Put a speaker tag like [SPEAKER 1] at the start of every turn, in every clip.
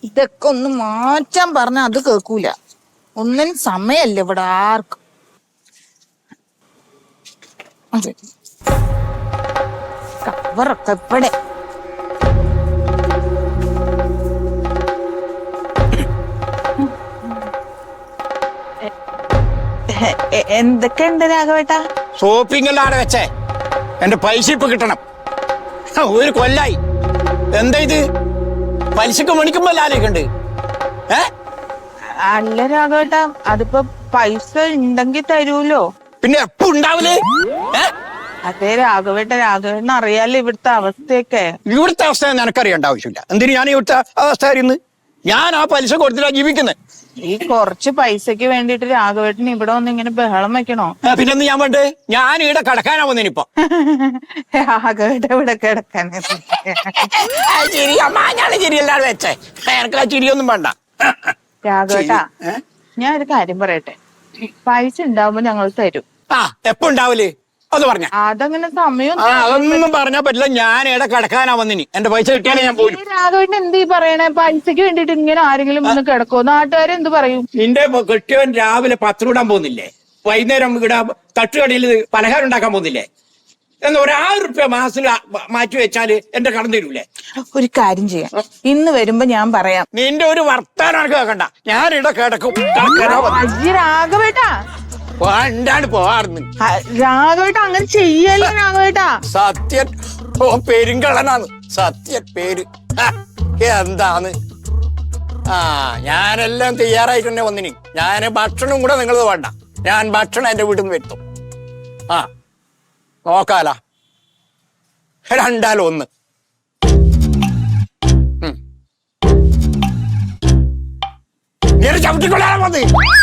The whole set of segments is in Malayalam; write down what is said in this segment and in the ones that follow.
[SPEAKER 1] ഇതൊക്കെ ഒന്ന് മാറ്റാൻ പറഞ്ഞ അത് കേൾക്കൂല. ഒന്നിനും സമയല്ല ഇവിടെ ആർക്കും. കവറൊക്കെ ഇവിടെ. എന്തൊക്കെയുണ്ട് രാഘവേട്ടാ?
[SPEAKER 2] ഷോപ്പിംഗിലാണ് വെച്ചേ. എന്റെ പൈസ ഇപ്പൊ കിട്ടണം. ഒരു കൊല്ലായി. എന്താ ഇത്? പലിശക്ക് മണിക്കുമ്പോ ലാലേക്കുണ്ട്.
[SPEAKER 1] അല്ല രാഘവേട്ടാ, അതിപ്പോ പൈസ ഉണ്ടെങ്കിൽ തരൂലോ.
[SPEAKER 2] പിന്നെ എപ്പോ ഉണ്ടാവില്ലേ?
[SPEAKER 1] അതെ രാഘവേട്ടൻ അറിയാലോ ഇവിടുത്തെ അവസ്ഥയൊക്കെ.
[SPEAKER 2] ഇവിടുത്തെ അവസ്ഥ നിനക്കറിയേണ്ട ആവശ്യമില്ല. എന്തിനു ഞാൻ ഇവിടുത്തെ അവസ്ഥ അറിയുന്നത്? ഞാൻ ആ പലിശ കൊടുത്തിട്ടാ ജീവിക്കുന്നത്.
[SPEAKER 1] ഈ കുറച്ച് പൈസക്ക് വേണ്ടിട്ട് രാഘവേട്ടൻ ഇവിടെ വന്ന് ഇങ്ങനെ ബഹളം വെക്കണോ?
[SPEAKER 2] പിന്നെന്ന് ഞാൻ വേണ്ടേ? ഞാൻ ഇവിടെ കിടക്കാനാ വന്നിനിപ്പോ.
[SPEAKER 1] രാഘവേട്ടൻ ഇവിടെ കിടക്കാൻ
[SPEAKER 2] ചിരിയല്ലാതെ വെച്ചേ. എനിക്ക് ആ ചിരിയൊന്നും വേണ്ട.
[SPEAKER 1] രാഘവേട്ടാ, ഞാൻ ഒരു കാര്യം പറയട്ടെ. പൈസ ഉണ്ടാവുമ്പോ ഞങ്ങൾ തരും.
[SPEAKER 2] എപ്പോ ഉണ്ടാവില്ലേ അത് പറഞ്ഞ?
[SPEAKER 1] അതങ്ങനെ സമയം
[SPEAKER 2] അതൊന്നും പറഞ്ഞാ പറ്റില്ല. ഞാൻ ഇവിടെ കിടക്കാനാ വന്നിനി. എന്റെ പൈസ കിട്ടിയാലേ ഞാൻ പോലും.
[SPEAKER 1] രാഘവേട്ടൻ എന്ത് പറയണേ? പൈസക്ക് വേണ്ടിട്ട് ഇങ്ങനെ ആരെങ്കിലും വന്ന് കിടക്കോ? നാട്ടുകാരെന്ത് പറയും?
[SPEAKER 2] നിന്റെ കെട്ടിയവൻ രാവിലെ പത്രം ഇടാൻ പോകുന്നില്ലേ? വൈകുന്നേരം ഇവിടെ തട്ടുകടയിൽ പലഹാരം ഉണ്ടാക്കാൻ പോകുന്നില്ലേ? എന്ന് ₹1000 മാസത്തിൽ മാറ്റി വെച്ചാല് എന്റെ കടം തരൂലേ?
[SPEAKER 1] ഒരു കാര്യം ചെയ്യാം, ഇന്ന് വരുമ്പോ ഞാൻ പറയാം.
[SPEAKER 2] നിന്റെ ഒരു വർത്താനം കേൾക്കണ്ട. ഞാൻ ഇവിടെ കിടക്കും.
[SPEAKER 1] രാഘവേട്ടാ,
[SPEAKER 2] എന്താണ് പോവാറുന്ന്?
[SPEAKER 1] രാഘവേട്ടാ അങ്ങനെ ചെയ്യല്ലേ രാഘവേട്ടാ.
[SPEAKER 2] സത്യൻ പെരുങ്കളനാന്ന്. സത്യൻ പേര് എന്താന്ന്? ഞാനെല്ലാം തയ്യാറായിട്ട് തന്നെ വന്നിനി. ഞാൻ ഭക്ഷണം കൂടെ നിങ്ങളത് വേണ്ട. ഞാൻ ഭക്ഷണം എന്റെ വീട്ടിൽ നിന്ന് വരുത്തും. നോക്കാല 2-1. ചവിട്ടിക്കൊള്ളാൻ മതി.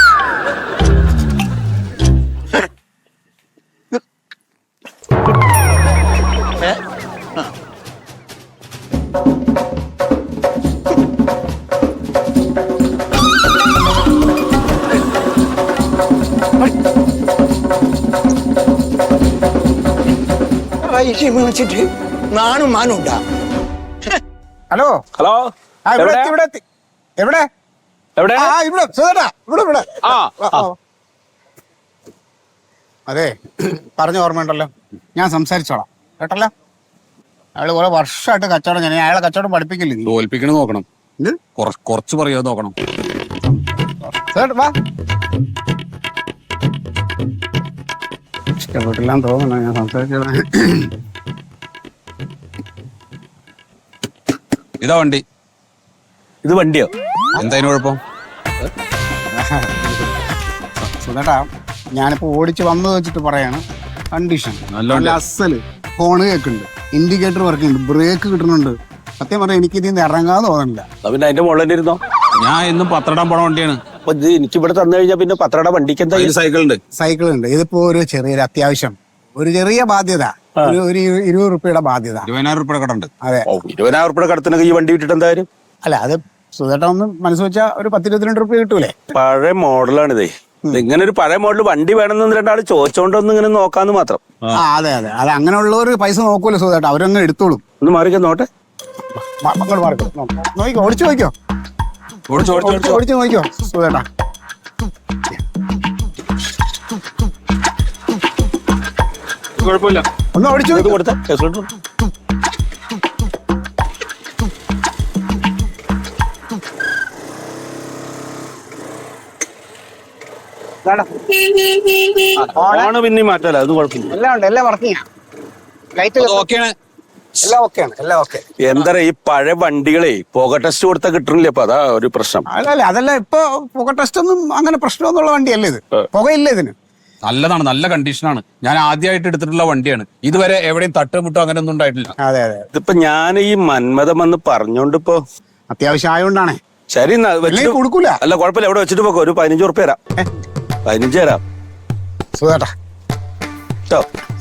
[SPEAKER 2] വിളിച്ചിട്ട് നാണും മാനും ഉണ്ടാ.
[SPEAKER 3] ഹലോ
[SPEAKER 4] ഹലോ,
[SPEAKER 3] എവിടെ എവിടെ
[SPEAKER 4] എവിടെ?
[SPEAKER 3] ഇവിടെ സുധേട്ടാ, ഇവിടെ. അതെ, പറഞ്ഞ ഓർമ്മയുണ്ടല്ലോ, ഞാൻ സംസാരിച്ചോളാം കേട്ടല്ലോ. അയാള് കുറെ വർഷമായിട്ട് കച്ചവടം. ഞാൻ അയാളെ കച്ചവടം പഠിപ്പിക്കില്ല.
[SPEAKER 4] തോൽപ്പിക്കണ നോക്കണം. കുറച്ച് പറയാതെ നോക്കണം.
[SPEAKER 3] വാ, ഇഷ്ടപ്പെട്ടില്ലാന്ന് തോന്നണ ഞാൻ സംസാരിച്ചോളാം.
[SPEAKER 4] ഇതാ വണ്ടി.
[SPEAKER 2] ഇത് വണ്ടിയോ?
[SPEAKER 4] എന്തായാലും കുഴപ്പം?
[SPEAKER 3] സുധേട്ടാ, ഞാനിപ്പോ ഓടിച്ച് വന്നത് വെച്ചിട്ട് പറയാണ്. കണ്ടീഷൻ നല്ല അസല്. ഫോണ് കേൾക്കുന്നുണ്ട്, ഇൻഡിക്കേറ്റർ വർക്ക് ഉണ്ട്, ബ്രേക്ക് കിട്ടുന്നുണ്ട്. സത്യം പറഞ്ഞാൽ എനിക്ക് ഇതിൽ നിന്ന് ഇറങ്ങാൻ തോന്നുന്നില്ല.
[SPEAKER 2] പിന്നെ അതിന്റെ മുകളിൽ ഇരുന്നോ?
[SPEAKER 4] ഞാൻ എന്നും പത്രടാൻ പോണ വണ്ടിയാണ്.
[SPEAKER 2] എനിക്ക് ഇവിടെ തന്നു കഴിഞ്ഞാൽ പിന്നെ പത്രട വണ്ടിക്ക് എന്താ?
[SPEAKER 4] സൈക്കിൾ ഉണ്ട്.
[SPEAKER 3] ഇതിപ്പോ ഒരു ചെറിയൊരു അത്യാവശ്യം, ഒരു ചെറിയ ബാധ്യത, ഒരു ₹20 ബാധ്യത.
[SPEAKER 4] ₹20,000 കടണ്ട്.
[SPEAKER 3] അതെ,
[SPEAKER 2] ₹20,000 കടത്തിനൊക്കെ ഈ വണ്ടി വിട്ടിട്ട് എന്തായാലും.
[SPEAKER 3] അല്ല, അത് സുധേട്ട ഒന്ന് മനസ്സ് വെച്ചാൽ ഒരു ₹10-22 കിട്ടൂലേ?
[SPEAKER 5] പഴയ മോഡലാണിതേ. ഇങ്ങനെ ഒരു പഴയ മോഡൽ വണ്ടി വേണമെന്ന് 2 ആൾ ചോദിച്ചോണ്ടൊന്നും ഇങ്ങനെ നോക്കാന്ന് മാത്രം.
[SPEAKER 3] അതെ, അത് അങ്ങനെയുള്ളവർ പൈസ നോക്കൂല്ലോ സുധേട്ട, അവരങ്ങ് എടുത്തോളും.
[SPEAKER 5] ഒന്ന് മാറിക്കോ, നോട്ടെ.
[SPEAKER 3] നോക്കിക്കോ, ഓടിച്ചു നോക്കിയോ സുധേട്ടാ.
[SPEAKER 4] കുഴപ്പമില്ല.
[SPEAKER 3] ഒന്ന് ഓടിച്ചു
[SPEAKER 5] കൊടുത്ത ഓണ് പിന്നെ മാറ്റല്ല, അത് കുഴപ്പമില്ല.
[SPEAKER 3] എല്ലാം ഉണ്ട്, എല്ലാം വർക്കിംഗ്. എല്ലാം ഓക്കെ.
[SPEAKER 5] എന്താ ഈ പഴയ വണ്ടികളെ പുക ടെസ്റ്റ് കൊടുത്താൽ കിട്ടണില്ല. അപ്പൊ അതാ ഒരു പ്രശ്നം.
[SPEAKER 3] അല്ല, അതല്ല, ഇപ്പൊ പുക ടെസ്റ്റ് ഒന്നും അങ്ങനെ പ്രശ്നമൊന്നുള്ള വണ്ടിയല്ലേ ഇത്. പുകയില്ല ഇതിന്.
[SPEAKER 4] നല്ലതാണ്, നല്ല കണ്ടീഷനാണ്. ഞാൻ ആദ്യമായിട്ട് എടുത്തിട്ടുള്ള വണ്ടിയാണ്. ഇതുവരെ എവിടെയും തട്ടുമുട്ടോ അങ്ങനെ ഒന്നും ഉണ്ടായിട്ടില്ല.
[SPEAKER 3] അതെ.
[SPEAKER 5] ഇതിപ്പോ ഞാൻ ഈ മന്മഥം വന്ന് പറഞ്ഞോണ്ട് ഇപ്പൊ
[SPEAKER 3] അത്യാവശ്യം ആയതുകൊണ്ടാണേ.
[SPEAKER 5] ശരി,
[SPEAKER 3] കൊടുക്കൂല.
[SPEAKER 5] അല്ല കുഴപ്പമില്ല, എവിടെ വെച്ചിട്ട് പോക്കോ. ഒരു ₹15 തരാം. 15 തരാം
[SPEAKER 3] സുധേട്ടാ.
[SPEAKER 5] കേട്ടോ.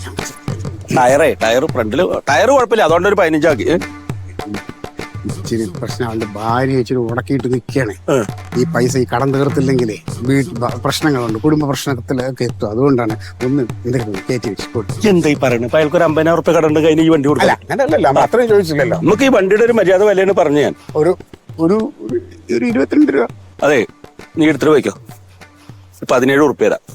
[SPEAKER 5] ടയർ ഫ്രണ്ടില് ടയർ കുഴപ്പമില്ല, അതുകൊണ്ട് ഒരു 15 ആക്കി.
[SPEAKER 3] ഇച്ചിരി പ്രശ്നം, അവന്റെ ഭാര്യ ഇച്ചിരി ഉടക്കിയിട്ട് നിൽക്കുകയാണ്. ഈ പൈസ ഈ കടം തീർത്തില്ലെങ്കിലേ പ്രശ്നങ്ങളുണ്ട്, കുടുംബ പ്രശ്നത്തിലൊക്കെ എത്തും. അതുകൊണ്ടാണ് ഒന്ന് എന്തെങ്കിലും കയറ്റി വെച്ച്.
[SPEAKER 5] എന്താ ഈ പറയുന്നത്? അയാൾക്ക് ഒരു ₹50,000 കടണ്ട് കഴിഞ്ഞ് ഈ വണ്ടി കൊടുക്കില്ല.
[SPEAKER 3] അങ്ങനെയല്ലല്ലോ, അത്രയും ചോദിച്ചില്ലല്ലോ.
[SPEAKER 5] നമുക്ക് ഈ വണ്ടിയുടെ ഒരു മര്യാദ വിലയാണ് പറഞ്ഞു. ഞാൻ
[SPEAKER 3] ഒരു ഒരു 22 രൂപ.
[SPEAKER 5] അതെ, നീ എടുത്തിട്ട് പോയിക്കോ. 17 ഉറുപ്പ്യ തരാം.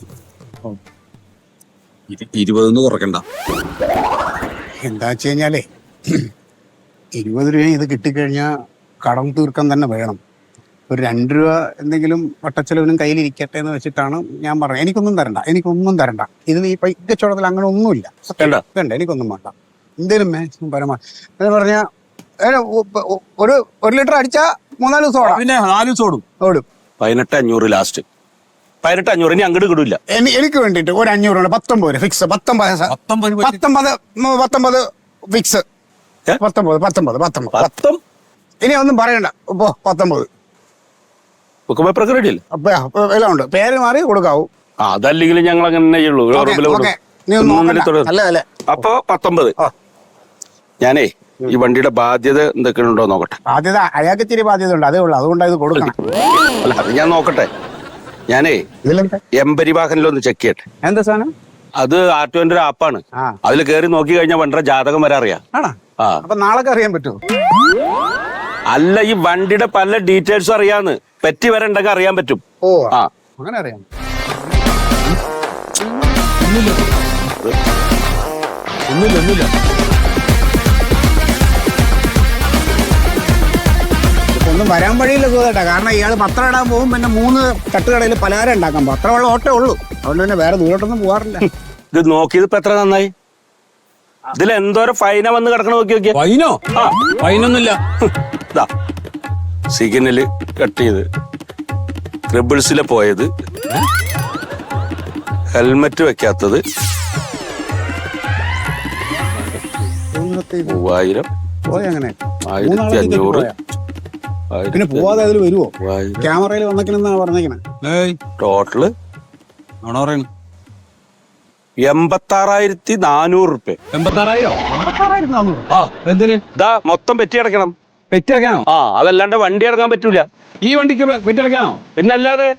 [SPEAKER 4] 20 കുറക്കണ്ട.
[SPEAKER 3] എന്താ വെച്ച് കഴിഞ്ഞാലേ 20 രൂപ ഇത് കിട്ടിക്കഴിഞ്ഞാൽ കടം തീർക്കാൻ തന്നെ വേണം. ഒരു 2 രൂപ എന്തെങ്കിലും വട്ടച്ചെലവിനും കയ്യിലിരിക്കട്ടെ എന്ന് വെച്ചിട്ടാണ് ഞാൻ പറഞ്ഞത്. എനിക്കൊന്നും തരണ്ട. ഇതിൽ ഈ കച്ചവടത്തിൽ അങ്ങനെ ഒന്നുമില്ല. വേണ്ട, എനിക്കൊന്നും വേണ്ട. എന്തേലും മാക്സിമം പരമാവധി എന്ന് പറഞ്ഞാൽ ഒരു ലിറ്റർ അടിച്ചാ 3-4 ദിവസം ഓടാം.
[SPEAKER 4] പിന്നെ 4 ദിവസം ഓടും.
[SPEAKER 5] 18,500 ലാസ്റ്റ്. 18,500 ഇനി അങ്ങോട്ട് കിടൂല.
[SPEAKER 3] എനിക്ക് വേണ്ടിട്ട് ഒരു 500 ഉണ്ട്. 19 ഫിക്സ്. 19 ഫിക്സ്. 19. ഇനി ഒന്നും പറയണ്ട. ഇപ്പൊ 19
[SPEAKER 5] റെഡിയല്ലേ?
[SPEAKER 3] എല്ലാം ഉണ്ട്. പേര് മാറി കൊടുക്കാവൂ.
[SPEAKER 5] അതല്ലെങ്കിലും ഞങ്ങൾ അങ്ങനെ ചെയ്യുള്ളൂ. അപ്പൊ 19. ഞാനേ ഈ വണ്ടിയുടെ ബാധ്യത എന്തൊക്കെയുണ്ടോ നോക്കട്ടെ.
[SPEAKER 3] ബാധ്യത അയാൾക്ക് ഇച്ചിരി ബാധ്യത ഉണ്ട്, അതേ ഉള്ളൂ. അതുകൊണ്ടാണ് ഇത് കൊടുക്കണം.
[SPEAKER 5] അല്ല, അത് ഞാൻ നോക്കട്ടെ. ഞാനേ എംപരിവാഹനിലൊന്ന് ചെക്ക് ചെയ്യട്ടെ.
[SPEAKER 3] എന്താ സാധനം?
[SPEAKER 5] അത് ആർടിഒന്റെ ഒരു ആപ്പാണ്. അതിൽ കയറി നോക്കി കഴിഞ്ഞാൽ വണ്ടിയുടെ ജാതകം വരെ അറിയാം.
[SPEAKER 3] അപ്പൊ നാളെ അറിയാൻ പറ്റുമോ?
[SPEAKER 5] അല്ല, ഈ വണ്ടിയുടെ പല ഡീറ്റെയിൽസും അറിയാന്ന്. പെറ്റി വരെ ഉണ്ടെങ്കിൽ അറിയാൻ പറ്റും.
[SPEAKER 3] ഓ, അങ്ങനെ അറിയാം.
[SPEAKER 4] ഒന്നുമില്ല.
[SPEAKER 3] ഒന്നും വരാൻ വഴിയില്ല സുഖേട്ടാ. കാരണം ഇയാൾ പത്രം ഇടാൻ പോകും, പിന്നെ 3 തട്ടുകടയിൽ പലഹാരം ഉണ്ടാക്കാൻ പോകും. അത്ര വെള്ളം ഓട്ടേ ഉള്ളൂ. അതുകൊണ്ട് തന്നെ വേറെ ദൂരോട്ടൊന്നും പോകാറില്ല.
[SPEAKER 5] ഇത് നോക്കിയത് ഇപ്പൊ എത്ര നന്നായി. ഇതിൽ എന്തോരം ഫൈന വന്ന് കിടക്കണ നോക്കിയ
[SPEAKER 4] ഫൈനോ? ഫൈനൊന്നുമില്ല.
[SPEAKER 5] സിഗ്നല് കട്ട് ചെയ്ത്, ട്രിബിൾസിലെ പോയത്, ഹെൽമെറ്റ് വെക്കാത്തത്, 3000,
[SPEAKER 3] പോയങ്ങനെ
[SPEAKER 5] 1500.
[SPEAKER 3] പിന്നെ പോവാതെ അതിൽ വരുവോ? ക്യാമറയിൽ വന്നേക്കണെന്നാ പറഞ്ഞേക്കണേ.
[SPEAKER 5] ടോട്ടല് 86,400 ഉറുപ്പ്യ.
[SPEAKER 4] 86,400?
[SPEAKER 5] ഇതാ മൊത്തം പെറ്റി അടക്കണം.
[SPEAKER 4] പെറ്റി അടക്കാനോ?
[SPEAKER 5] അതല്ലാണ്ട് വണ്ടി ഇറങ്ങാൻ പറ്റൂല.
[SPEAKER 4] ഈ വണ്ടിക്ക് പെറ്റി അടക്കാനോ?
[SPEAKER 5] പിന്നെ അല്ലാതെ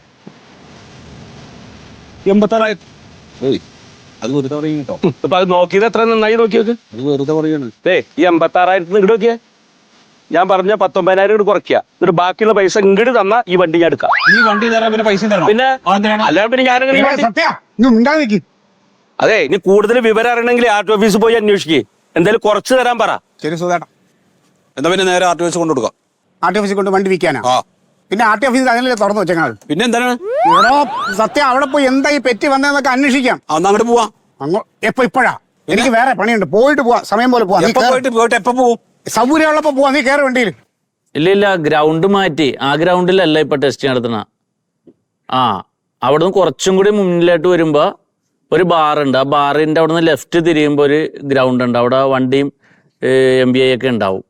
[SPEAKER 4] 86,000. അത് വെറുതെ പറയും കേട്ടോ.
[SPEAKER 5] ഇപ്പൊ അത് നോക്കിയത് എത്ര നന്നായി നോക്കി നോക്ക്.
[SPEAKER 4] അത് വെറുതെ പറയാണ്.
[SPEAKER 5] ഈ 86,000 ഇങ്ങോട്ട് നോക്കിയേ. ഞാൻ പറഞ്ഞ 19,000 ഇങ്ങോട്ട് കുറയ്ക്കുക. എന്നിട്ട് ബാക്കിയുള്ള പൈസ ഇങ്ങോട്ട് തന്നാ ഈ വണ്ടി ഞാൻ എടുക്കാം.
[SPEAKER 4] ഈ വണ്ടി തരാൻ പിന്നെ പൈസ തരണം.
[SPEAKER 5] പിന്നെ അല്ലാണ്ട് പിന്നെ ഞാനങ്ങനെ. അതെ, ഇനി കൂടുതൽ വിവരം അറിയണമെങ്കിൽ ആർടി ഓഫീസിൽ പോയി അന്വേഷിക്കേ. എന്തായാലും കുറച്ച് തരാൻ പറ.
[SPEAKER 3] ശരി സുധേട്ടാ.
[SPEAKER 4] എന്താ പിന്നെ നേരെ ആർടി ഓഫീസ് കൊണ്ടു കൊടുക്കാം.
[SPEAKER 3] ആർടി ഓഫീസിൽ കൊണ്ട് വണ്ടി വിൽക്കാനാ? പിന്നെ ആർടി ഓഫീസിൽ അങ്ങനെ തുറന്നു വെച്ചേക്കാൾ.
[SPEAKER 4] പിന്നെ എന്താണ്
[SPEAKER 3] ഇവിടെ സത്യം അവിടെ പോയി എന്താ ഈ പെറ്റി വന്നതെന്നൊക്കെ അന്വേഷിക്കാം.
[SPEAKER 4] അങ്ങോട്ട് പോവാം.
[SPEAKER 3] ഇപ്പഴാ? എനിക്ക് വേറെ പണിയുണ്ട്. പോയിട്ട് പോവാ, സമയം പോലെ പോവാ.
[SPEAKER 4] പോയിട്ട് എപ്പോ പോവും?
[SPEAKER 3] സൗകര്യമുള്ളപ്പോ പോവാ. നീ കയറി വണ്ടിയിൽ.
[SPEAKER 6] ഇല്ല, ഗ്രൗണ്ട് മാറ്റി. ആ ഗ്രൗണ്ടിലല്ല ഇപ്പൊ ടെസ്റ്റ് നടത്തണ. അവിടുന്ന് കുറച്ചും കൂടി മുന്നിലോട്ട് വരുമ്പോ ഒരു ബാറുണ്ട്. ആ ബാറിന്റെ അവിടുന്ന് ലെഫ്റ്റ് തിരിയുമ്പോ ഒരു ഗ്രൗണ്ട് ഉണ്ട്. അവിടെ വണ്ടിയും MBI ഒക്കെ ഉണ്ടാവും.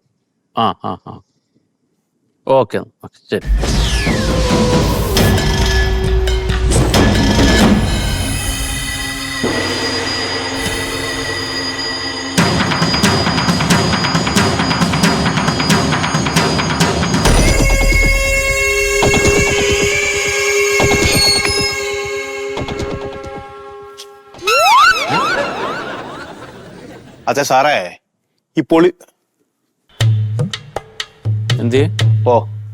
[SPEAKER 6] ഓക്കെ, ശരി.
[SPEAKER 7] അച്ഛാ സാറേ, ഈ പൊളി
[SPEAKER 6] എന്ത്
[SPEAKER 7] ഓ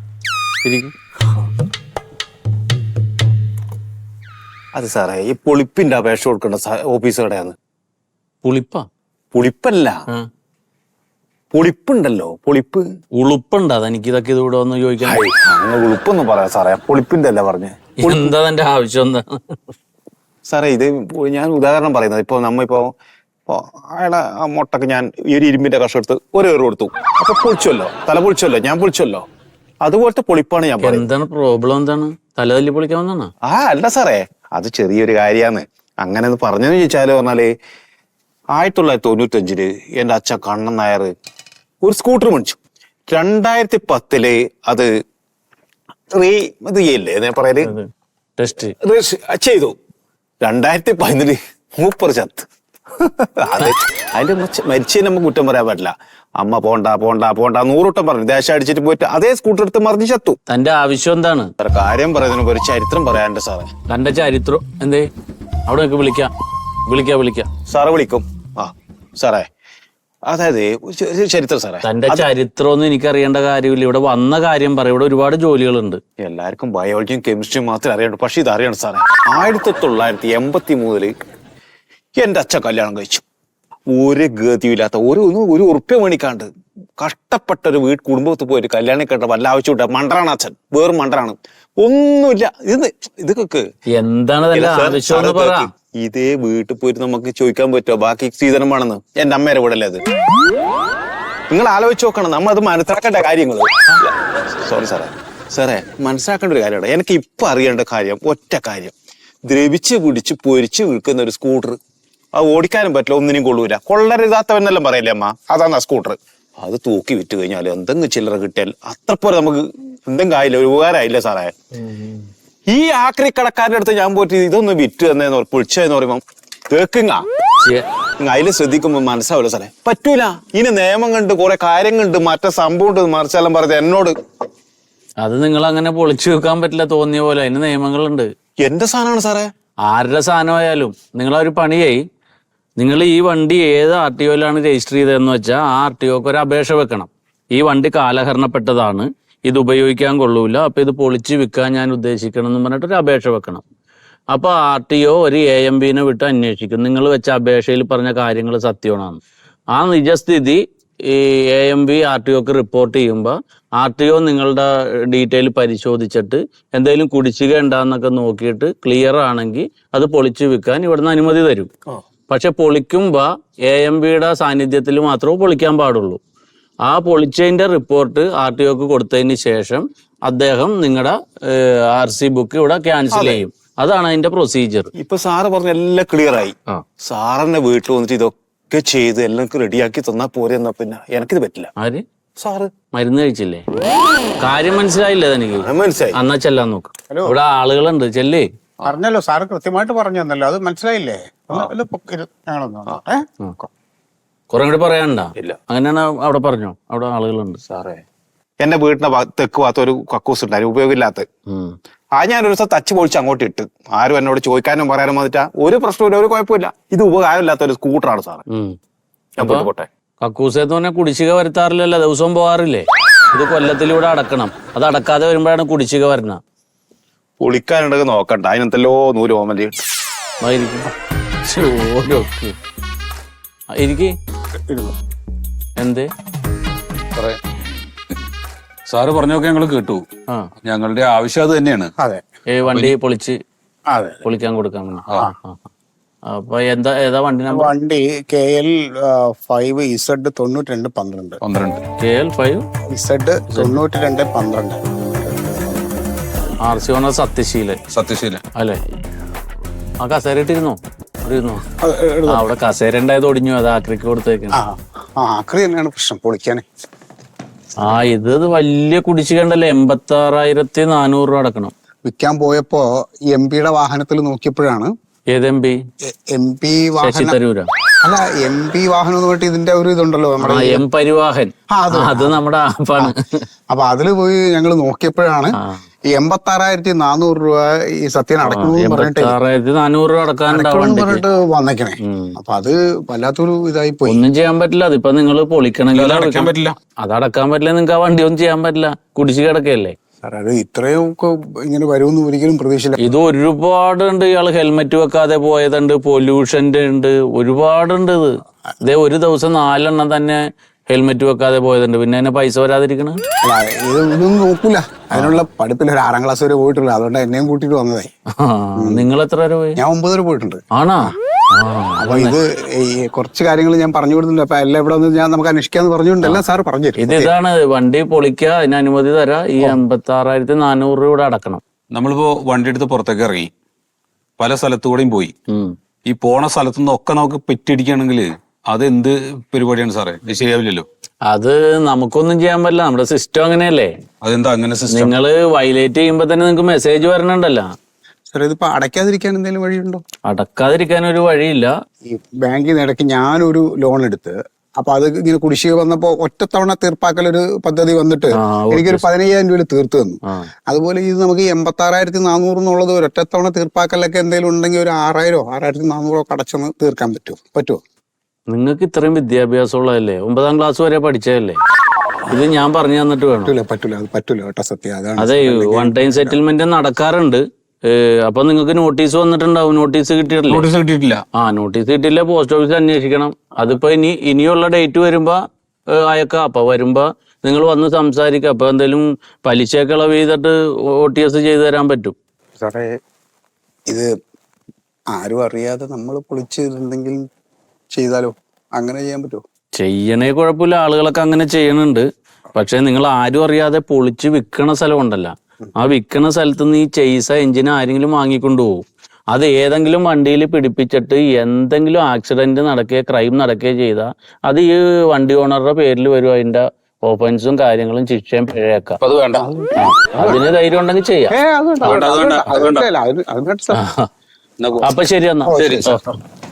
[SPEAKER 7] അത് സാറേ, ഈ പൊളിപ്പിന്റെ അപേക്ഷ കൊടുക്കേണ്ട ഓഫീസ് എവിടെയാന്ന്? പുളിപ്പല്ല, പൊളിപ്പുണ്ടല്ലോ. പൊളിപ്പ്
[SPEAKER 6] ഉളുപ്പുണ്ട്. അതെനിക്ക് ഇതൊക്കെ ഇതിവിടെ വന്ന് ചോദിക്കാം.
[SPEAKER 7] അങ്ങനെ ഉളുപ്പൊന്നും പറയാം സാറേ. പൊളിപ്പിന്റെ അല്ല പറഞ്ഞേ.
[SPEAKER 6] എന്താ എന്റെ ആവശ്യം എന്താ
[SPEAKER 7] സാറേ? ഇത് ഞാൻ ഉദാഹരണം പറയുന്നത്. ഇപ്പൊ നമ്മിപ്പോ അയാളെ ആ മുട്ടക്ക് ഞാൻ ഈ ഒരു ഇരുമ്പിന്റെ കഷ്ണം എടുത്ത് ഒരു കൊടുത്തു. അപ്പൊ പൊളിച്ചല്ലോ, തല പൊളിച്ചല്ലോ, ഞാൻ പൊളിച്ചല്ലോ. അതുപോലത്തെ പൊളിപ്പാണ് ഞാൻ പറയുന്നത്.
[SPEAKER 6] എന്താണ് പ്രോബ്ലം? എന്താണ് തല തല്ലി പൊളിക്കാൻ വന്നാണ്?
[SPEAKER 7] അല്ല സാറേ, അത് ചെറിയൊരു കാര്യാന്ന്. അങ്ങനെ ഒന്ന് പറഞ്ഞെന്ന് ചോദിച്ചാല് പറഞ്ഞാല് 1995 എന്റെ അച്ഛൻ കണ്ണൻ നായർ ഒരു സ്കൂട്ടർ മേടിച്ചു. 2010 അത് ഇത് ചെയ്യില്ലേ പറയല്,
[SPEAKER 6] ടെസ്റ്റ്
[SPEAKER 7] ചെയ്തു. 2011 മൂപ്പർ ചത്ത്. അത് അതിന്റെ മരിച്ചതിന് നമുക്ക് കുറ്റം പറയാൻ പറ്റില്ല. അമ്മ പോണ്ട 100 വട്ടം പറഞ്ഞു. ദേശം അടിച്ചിട്ട് പോയിട്ട് അതേ സ്കൂട്ടർ എടുത്ത് മറിഞ്ഞ് ചത്തു.
[SPEAKER 6] തന്റെ ആവശ്യം എന്താണ്?
[SPEAKER 7] കാര്യം പറയുന്നതിന് ഒരു ചരിത്രം പറയാനുണ്ട് സാറേ.
[SPEAKER 6] തന്റെ ചരിത്രം എന്തേ? അവിടെ വിളിക്കാം.
[SPEAKER 7] സാറ് വിളിക്കും. സാറേ, അതായത് ചരിത്രം സാറേ,
[SPEAKER 6] തന്റെ ചരിത്രമൊന്നും എനിക്ക് അറിയേണ്ട കാര്യമില്ല. ഇവിടെ വന്ന കാര്യം പറയും. ഇവിടെ ഒരുപാട് ജോലികളുണ്ട്.
[SPEAKER 7] എല്ലാവർക്കും ബയോളജിയും കെമിസ്ട്രിയും മാത്രമേ അറിയണ്ടു. പക്ഷെ ഇത് അറിയണം സാറേ, 1983 എന്റെ അച്ഛൻ കല്യാണം കഴിച്ചു. ഒരു ഗതിയില്ലാത്ത ഒരു ഉറുപ്പ്യ മേണിക്കാണ്ട് കഷ്ടപ്പെട്ട ഒരു കുടുംബത്തിൽ പോയിട്ട് കല്യാണം കേട്ട വല്ല ആവശ്യമില്ല. മണ്ടറാണ് അച്ഛൻ, വേറും മണ്ടറാണ്, ഒന്നുമില്ല. ഇതൊക്കെ
[SPEAKER 6] എന്താണ്
[SPEAKER 7] ഇതേ വീട്ടിൽ പോയിട്ട് നമുക്ക് ചോദിക്കാൻ പറ്റുമോ ബാക്കി സീതനമാണെന്ന്? എന്റെ അമ്മേരെ കൂടെ അല്ലേ അത്? നിങ്ങൾ ആലോചിച്ച് നോക്കണം, നമ്മൾ അത് മനസ്സിലാക്കേണ്ട കാര്യങ്ങൾ. സോറി സാറേ മനസ്സിലാക്കേണ്ട ഒരു കാര്യമാണ്. എനിക്ക് ഇപ്പൊ അറിയേണ്ട കാര്യം ഒറ്റ കാര്യം, ദ്രവിച്ച് പിടിച്ച് പൊരിച്ച് വിൽക്കുന്ന ഒരു സ്കൂട്ടർ, അത് ഓടിക്കാനും പറ്റില്ല, ഒന്നിനും കൊള്ളൂല, കൊള്ളരുതാത്തവനെല്ലാം പറയല്ലേ അമ്മ, അതാണ് ആ സ്കൂട്ടർ. അത് തൂക്കി വിറ്റ് കഴിഞ്ഞാൽ എന്തെങ്കിലും ചില്ലറ കിട്ടിയാൽ അത്ര പോലെ നമുക്ക് എന്തെങ്കിലും ആയില്ല, ഒരു ഉപകാരമായില്ല സാറേ. ഈ ആക്രി കടക്കാരുടെ അടുത്ത് ഞാൻ പോയിട്ട് ഇതൊന്ന് വിറ്റ് തന്നേന്ന് പൊളിച്ചെന്ന് പറയുമ്പോ കേക്കുങ്ങ അതിൽ ശ്രദ്ധിക്കുമ്പോ മനസ്സാവില്ല സാറേ, പറ്റൂല. ഇനി നിയമം കണ്ട് കുറെ കാര്യങ്ങളുണ്ട്, മറ്റേ സംഭവം ഉണ്ട്, മറിച്ചെല്ലാം പറഞ്ഞത് എന്നോട്.
[SPEAKER 6] അത് നിങ്ങൾ അങ്ങനെ പൊളിച്ചു വെക്കാൻ പറ്റില്ല തോന്നിയ പോലെ, അതിന് നിയമങ്ങളുണ്ട്.
[SPEAKER 7] എന്റെ സാധനമാണ് സാറേ.
[SPEAKER 6] ആരുടെ സാധനമായാലും നിങ്ങളൊരു പണിയായി, നിങ്ങൾ ഈ വണ്ടി ഏത് RTOയിലാണ് രജിസ്റ്റർ ചെയ്തതെന്ന് വെച്ചാൽ ആ RTOക്ക് ഒരു അപേക്ഷ വെക്കണം. ഈ വണ്ടി കാലഹരണപ്പെട്ടതാണ്, ഇത് ഉപയോഗിക്കാൻ കൊള്ളൂല, അപ്പൊ ഇത് പൊളിച്ച് വിൽക്കാൻ ഞാൻ ഉദ്ദേശിക്കണം എന്ന് പറഞ്ഞിട്ട് ഒരു അപേക്ഷ വെക്കണം. അപ്പൊ RTO ഒരു AMBനെ വിട്ട് അന്വേഷിക്കും നിങ്ങൾ വെച്ച അപേക്ഷയിൽ പറഞ്ഞ കാര്യങ്ങൾ സത്യമാണെന്ന്. ആ നിജസ്ഥിതി ഈ AMB RTOക്ക് റിപ്പോർട്ട് ചെയ്യുമ്പോൾ RTO നിങ്ങളുടെ ഡീറ്റെയിൽ പരിശോധിച്ചിട്ട് എന്തെങ്കിലും കുടിശ്ശിക ഉണ്ടാന്നൊക്കെ നോക്കിയിട്ട് ക്ലിയർ ആണെങ്കിൽ അത് പൊളിച്ചു വിൽക്കാൻ ഇവിടുന്ന് അനുമതി തരും. പക്ഷെ പൊളിക്കുമ്പോൾ AMBയുടെ സാന്നിധ്യത്തിൽ മാത്രമേ പൊളിക്കാൻ പാടുള്ളൂ. ആ പൊളിച്ചതിന്റെ റിപ്പോർട്ട് RTOക്ക് കൊടുത്തതിന് ശേഷം അദ്ദേഹം നിങ്ങളുടെ RC ബുക്ക് ഇവിടെ ക്യാൻസൽ ചെയ്യും. അതാണ് അതിന്റെ പ്രൊസീജിയർ.
[SPEAKER 7] ഇപ്പൊ സാറ് പറഞ്ഞ എല്ലാം ക്ലിയർ ആയി. സാറിന്റെ വീട്ടിൽ വന്നിട്ട് ഇതൊക്കെ ചെയ്ത് എല്ലാം റെഡിയാക്കി തന്നാ പോരെ. എന്നാ പിന്നെ എനിക്കിത് പറ്റില്ല.
[SPEAKER 6] ആര്?
[SPEAKER 7] സാറ്
[SPEAKER 6] മരുന്ന് കഴിച്ചില്ലേ? കാര്യം മനസ്സിലായില്ലേ തനിക്ക്?
[SPEAKER 7] മനസ്സിലായി.
[SPEAKER 6] എന്നാ ചെല്ലാൻ നോക്ക്, ഇവിടെ ആളുകളുണ്ട്, ചെല്ലേ.
[SPEAKER 3] പറഞ്ഞല്ലോ സാറ് കൃത്യമായിട്ട് പറഞ്ഞു തന്നല്ലോ, അത് മനസ്സിലായില്ലേ?
[SPEAKER 6] കുറെ കൂടി പറയാനുണ്ടാ? ഇല്ല, അങ്ങനെയാണ് അവിടെ പറഞ്ഞോ, അവിടെ ആളുകളുണ്ട്.
[SPEAKER 7] സാറേ എന്റെ വീടിന്റെ തെക്ക് ഭാഗത്ത് ഒരു കക്കൂസ് ഉണ്ടായിരുന്നു, ഉപയോഗമില്ലാത്ത. ഞാനൊരു ദിവസം തച്ച് പൊളിച്ച് അങ്ങോട്ട് ഇട്ട്, ആരും എന്നോട് ചോദിക്കാനും പറയാനും വന്നിട്ടാ ഒരു പ്രശ്നമില്ല, ഒരു കുഴപ്പമില്ല. ഇത് ഉപകാരമില്ലാത്ത ഒരു സ്കൂട്ടറാണ് സാറേ. പോട്ടെ.
[SPEAKER 6] കക്കൂസെന്ന് പറഞ്ഞാൽ കുടിശ്ശിക വരുത്താറില്ലല്ലോ, ദിവസവും പോകാറില്ലേ? ഇത് കൊല്ലത്തിലൂടെ അടക്കണം, അത് അടക്കാതെ വരുമ്പോഴാണ് കുടിശ്ശിക വരുന്ന.
[SPEAKER 7] പൊളിക്കാനുണ്ടെങ്കിൽ നോക്കണ്ട, അതിനെന്തല്ലോ നൂല് ഓമല്
[SPEAKER 6] എന്തേ
[SPEAKER 4] സാറ് പറഞ്ഞൊക്കെ ഞങ്ങൾ കേട്ടു. ഞങ്ങളുടെ ആവശ്യം അത് തന്നെയാണ്.
[SPEAKER 6] വണ്ടി പൊളിക്കാൻ കൊടുക്കാൻ. അപ്പൊ ഏതാ വണ്ടി നമ്പർ?
[SPEAKER 3] വണ്ടി KL 5Z 9212.
[SPEAKER 6] KL
[SPEAKER 3] 5Z 9212.
[SPEAKER 6] RC owner Sathyasheelan അല്ലേ? ആ കസേര ഇട്ടിരുന്നോ? അവിടെ കസേര ഉണ്ടായത് ഒടിഞ്ഞു, അത് ആക്രിക്ക് കൊടുത്തേക്കാണ്.
[SPEAKER 3] ആക്രി തന്നെയാണ് പ്രശ്നം, പൊളിക്കാന്.
[SPEAKER 6] ഇത് വലിയ കുടിശ്ശിക ഉണ്ടല്ലോ, 86,400 രൂപ അടക്കണം.
[SPEAKER 3] വിൽക്കാൻ പോയപ്പോ MP-യുടെ വാഹനത്തിൽ നോക്കിയപ്പോഴാണ്.
[SPEAKER 6] ഏത് MP?
[SPEAKER 3] MP വാഹനം അല്ല, MP വാഹനം എന്ന് പറഞ്ഞിട്ട് ഇതിന്റെ ഒരു ഇതുണ്ടല്ലോ നമ്മുടെ
[SPEAKER 6] M പരിവാഹൻ, അത് നമ്മുടെ ആപ്പാണ്.
[SPEAKER 3] അപ്പൊ അതില് പോയി ഞങ്ങൾ നോക്കിയപ്പോഴാണ് 86,400 രൂപ ഈ സത്യൻ അടക്കണമെന്ന് പറഞ്ഞിട്ട്
[SPEAKER 6] 86,400 രൂപ
[SPEAKER 3] പറഞ്ഞിട്ട് വന്നേക്കണേ. അപ്പൊ അത് വല്ലാത്തൊരു ഇതായി പോയി.
[SPEAKER 6] ഒന്നും ചെയ്യാൻ പറ്റില്ല. അതിപ്പോ നിങ്ങൾ പൊളിക്കണമെങ്കിൽ അത് അടക്കാൻ പറ്റില്ല. നിങ്ങൾക്ക് ആ വണ്ടി ഒന്നും ചെയ്യാൻ പറ്റില്ല, കുടിശ്ശിക കിടക്കല്ലേ.
[SPEAKER 3] അത് ഇത്രയും ഒക്കെ ഇങ്ങനെ വരുമെന്ന് ഒരിക്കലും പ്രതീക്ഷിച്ചില്ല.
[SPEAKER 6] ഇത് ഒരുപാടുണ്ട്. ഇയാള് ഹെൽമെറ്റ് വെക്കാതെ പോയതുണ്ട്, പൊല്യൂഷന്റെ ഉണ്ട്, ഒരുപാടുണ്ട്. ഇതേ ഒരു ദിവസം 4 എണ്ണം തന്നെ ഹെൽമെറ്റ് വെക്കാതെ പോയതുണ്ട്. പിന്നെ അതിനെ പൈസ വരാതിരിക്കണ
[SPEAKER 3] ഇതൊന്നും നോക്കൂല. അതിനുള്ള പഠിപ്പില്ല. ഒരു 6ാം ക്ലാസ് വരെ പോയിട്ടുള്ളൂ, അതുകൊണ്ട് എന്നെയും കൂട്ടിട്ട് വന്നതായി.
[SPEAKER 6] നിങ്ങൾ എത്ര വരെ പോയി?
[SPEAKER 3] ഞാൻ 9 വരെ പോയിട്ടുണ്ട്.
[SPEAKER 6] ആണോ?
[SPEAKER 3] അപ്പൊ ഇത് കുറച്ച് കാര്യങ്ങൾ ഞാൻ പറഞ്ഞു കൊടുത്തിട്ടുണ്ട്. അപ്പൊ എല്ലാം ഇവിടെ വന്ന് നമുക്ക് അന്വേഷിക്കാന്ന് പറഞ്ഞുകൊണ്ട് എല്ലാം സാറ് പറഞ്ഞു തരും.
[SPEAKER 6] ഇതാണ് വണ്ടി പൊളിക്കുക, അതിന് അനുമതി തരാം. ഈ 86,400 രൂപ അടക്കണം.
[SPEAKER 4] നമ്മളിപ്പോ വണ്ടി എടുത്ത് പുറത്തേക്ക് ഇറങ്ങി പല സ്ഥലത്തുകൂടെയും പോയി. ഈ പോണ സ്ഥലത്തുനിന്ന് ഒക്കെ നമുക്ക് പെറ്റിടിക്കുകയാണെങ്കിൽ അത് എന്ത് പരിപാടിയാണ് സാറേ? ഇത് ശരിയാവില്ലല്ലോ.
[SPEAKER 6] അത് നമുക്കൊന്നും ചെയ്യാൻ പറ്റില്ല, നമ്മുടെ സിസ്റ്റം അങ്ങനെയല്ലേ.
[SPEAKER 4] അതെന്താ അങ്ങനെ സിസ്റ്റം?
[SPEAKER 6] നിങ്ങള് വയലേറ്റ് ചെയ്യുമ്പോ തന്നെ നിങ്ങൾക്ക് മെസ്സേജ് വരണുണ്ടല്ലോ.
[SPEAKER 3] സാറേ ഇതിപ്പോ അടയ്ക്കാതിരിക്കാൻ എന്തെങ്കിലും വഴിയുണ്ടോ?
[SPEAKER 6] അടക്കാതിരിക്കാൻ ഒരു വഴിയില്ല.
[SPEAKER 3] ഈ ബാങ്കിൽ നിന്ന് ഇടയ്ക്ക് ഞാനൊരു ലോൺ എടുത്ത്, അപ്പൊ അത് ഇങ്ങനെ കുടിശ്ശിക വന്നപ്പോ ഒറ്റത്തവണ തീർപ്പാക്കൽ ഒരു പദ്ധതി വന്നിട്ട് എനിക്കൊരു 15,000 രൂപയിൽ തീർത്തു തന്നു. അതുപോലെ ഇത് നമുക്ക് 86,400 എന്നുള്ളത് ഒരു ഒറ്റത്തവണ തീർപ്പാക്കലൊക്കെ എന്തെങ്കിലും ഉണ്ടെങ്കിൽ ഒരു 6,000 6,400 അടച്ചൊന്ന് തീർക്കാൻ പറ്റുമോ?
[SPEAKER 6] നിങ്ങൾക്ക് ഇത്രയും വിദ്യാഭ്യാസം ഉള്ളതല്ലേ, 9ാം ക്ലാസ് വരെ പഠിച്ചതല്ലേ, ഇത് ഞാൻ പറഞ്ഞു തന്നിട്ട് വേണം.
[SPEAKER 3] പറ്റൂല അത് പറ്റൂല കേട്ടോ സത്യം. അതാണ്
[SPEAKER 6] അതെ, വൺ ടൈം സെറ്റിൽമെന്റ് നടക്കാറുണ്ട്. അപ്പൊ നിങ്ങൾക്ക് നോട്ടീസ് വന്നിട്ടുണ്ടാവും. നോട്ടീസ് കിട്ടിയിട്ടില്ല?
[SPEAKER 4] നോട്ടീസ് കിട്ടിയിട്ടില്ല.
[SPEAKER 6] നോട്ടീസ് കിട്ടിയില്ല, പോസ്റ്റ് ഓഫീസിൽ അന്വേഷിക്കണം. അതിപ്പോ ഇനിയുള്ള ഡേറ്റ് വരുമ്പോ അയക്കാം. അപ്പൊ വരുമ്പോ നിങ്ങൾ വന്ന് സംസാരിക്കാം. അപ്പൊ എന്തെങ്കിലും പലിശയൊക്കെ ഇളവ് ചെയ്തിട്ട് OTS ചെയ്തു തരാൻ പറ്റും.
[SPEAKER 3] സാറേ ഇത് ആരും അറിയാതെ നമ്മൾ പൊളിച്ചിട്ടുണ്ടെങ്കിൽ ചെയ്താലോ? അങ്ങനെ ചെയ്യാൻ പറ്റുമോ?
[SPEAKER 6] ചെയ്യണേ കുഴപ്പമില്ല, ആളുകളൊക്കെ അങ്ങനെ ചെയ്യണുണ്ട്. പക്ഷെ നിങ്ങൾ ആരും അറിയാതെ പൊളിച്ച് വിൽക്കണ സ്ഥലം ഉണ്ടല്ലോ, ആ വിൽക്കണ സ്ഥലത്ത് നിന്ന് ഈ ചെയ്സ എഞ്ചിൻ ആരെങ്കിലും വാങ്ങിക്കൊണ്ടുപോകും. അത് ഏതെങ്കിലും വണ്ടിയിൽ പിടിപ്പിച്ചിട്ട് എന്തെങ്കിലും ആക്സിഡന്റ് നടക്കുകയോ ക്രൈം നടക്കുകയോ ചെയ്താൽ അത് ഈ വണ്ടി ഓണറുടെ പേരിൽ വരും. അതിന്റെ ഓഫൻസും കാര്യങ്ങളും ശിക്ഷയും പിഴയേക്കാം.
[SPEAKER 4] അത് വേണ്ട.
[SPEAKER 6] അതിന് ധൈര്യം ഉണ്ടെങ്കിൽ ചെയ്യാം.
[SPEAKER 3] അത് വേണ്ട, അത് വേണ്ട, അത് വേണ്ട.
[SPEAKER 6] അപ്പൊ ശരി എന്നാ.
[SPEAKER 4] ശരി.